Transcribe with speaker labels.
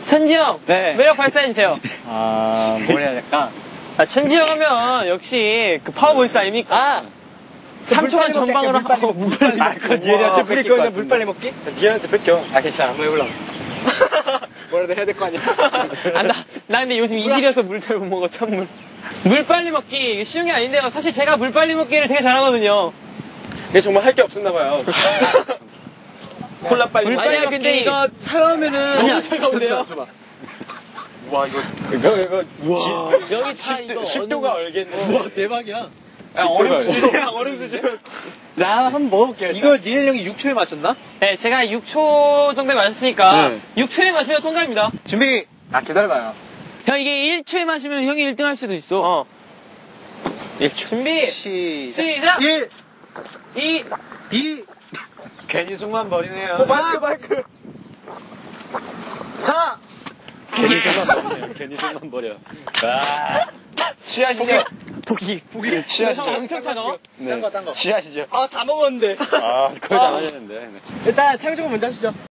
Speaker 1: 천지형,
Speaker 2: 네.
Speaker 1: 매력 발산해주세요.
Speaker 2: 뭘 해야 될까?
Speaker 1: 천지형 하면 역시 그 파워보이스 아닙니까? 3초간 전방을 하고 물 빨리 먹고.
Speaker 2: 니네한테 뿌릴 거냐, 물 빨리 먹기?
Speaker 3: 니한테 뺏겨.
Speaker 2: 괜찮아. 한번 해볼라. 뭐라도 해야 될 거 아니야.
Speaker 1: 나 근데 요즘 이질이어서 물 잘 못 먹어, 찬물. 물 빨리 먹기, 이게 쉬운 게 아닌데요. 사실 제가 물 빨리 먹기를 되게 잘하거든요.
Speaker 3: 이게 정말 할 게 없었나봐요. 콜라 빨리
Speaker 1: 물
Speaker 3: 먹기.
Speaker 1: 빨리 먹기.
Speaker 2: 근데 이거 차가우면은.
Speaker 3: 아니야,
Speaker 1: 차가운데요?
Speaker 3: 와, 이거. 우와.
Speaker 1: 여기 다 이거.
Speaker 3: 10도가 얼겠네.
Speaker 2: 우와, 대박이야.
Speaker 3: 얼음 수준이야, 얼음 수준.
Speaker 2: 나 한번 먹어볼게요.
Speaker 3: 이걸 니네 형이 6초에 맞췄나?
Speaker 1: 네, 제가 6초 정도에 마셨으니까,
Speaker 3: 네.
Speaker 1: 6초에 마시면 통과입니다.
Speaker 3: 준비. 기다려봐요.
Speaker 1: 형, 이게 1초에 마시면 형이 1등 할 수도 있어. 1초. 준비! 시작!
Speaker 3: 1,
Speaker 1: 2,
Speaker 3: 2,
Speaker 2: 괜히 속만 버리네요.
Speaker 3: 마이크. 4,
Speaker 2: 괜히 속만 버려.
Speaker 3: 취하시죠?
Speaker 2: 포기.
Speaker 1: 형
Speaker 2: 취하시죠?
Speaker 1: 엄청 차죠?
Speaker 3: 딴 거.
Speaker 2: 취하시죠?
Speaker 3: 다 먹었는데.
Speaker 2: 거의 다 마셨는데.
Speaker 3: 일단 창조금 먼저 하시죠.